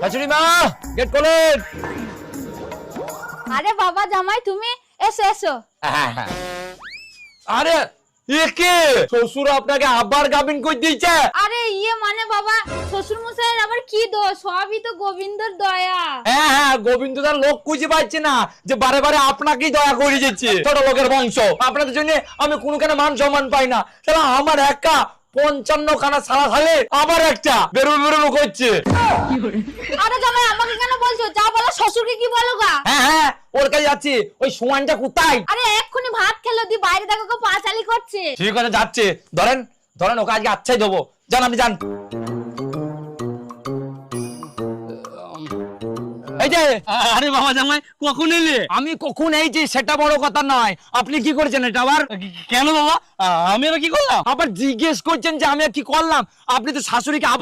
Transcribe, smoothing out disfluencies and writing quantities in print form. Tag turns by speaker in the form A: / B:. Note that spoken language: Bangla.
A: শাশুড়ি মা গেট খোলেন।
B: আরে বাবা জামাই তুমি এসো এসো।
A: আরে একে শ্বশুর আপনাকে আবার গাবিন কই দিয়েছে?
B: আরে মানে বাবা শ্বশুর মশাইয়ের আবার কি দোষ, সবই তো গোবিন্দর দয়া।
A: হ্যাঁ গোবিন্দ তার লোক খুঁজে পাচ্ছে না যে বারে বারে আপনাকেই দয়া করে যাচ্ছে। ছোট লোকের বংশ, আপনাদের জন্য আমি কোনো কেন মান সম্মান পাই না। তাহলে আমার একা 55 খানা সারা খালে আবার একটা বেরোনো করছে।
B: আরে জামাই আমাকে কেন বলছো, যা বলো শ্বশুরকে কি বলো গা।
A: হ্যাঁ ওর কাছে যাচ্ছি। ওই সোয়ানটা কোথায়?
B: আরে এক্ষুনি ভাত খেলো দি, বাইরে দেখো কেউ পাঁচালি করছে।
A: ঠিক আছে যাচ্ছে। ধরেন ওকে আজকে আচ্ছাই দেবো। যান আপনি যান। এই যে
C: আরে বাবা জামাই কখন এলে?
A: আমি কখন এইছি সেটা বড় কথা নয়, আপনি কি করেছেন এটা আবার?
C: কেন বাবা, আমি আবার কি করলাম?
A: আবার জিজ্ঞেস করছেন যে আমি কি করলাম? আপনি তো শাশুড়িকে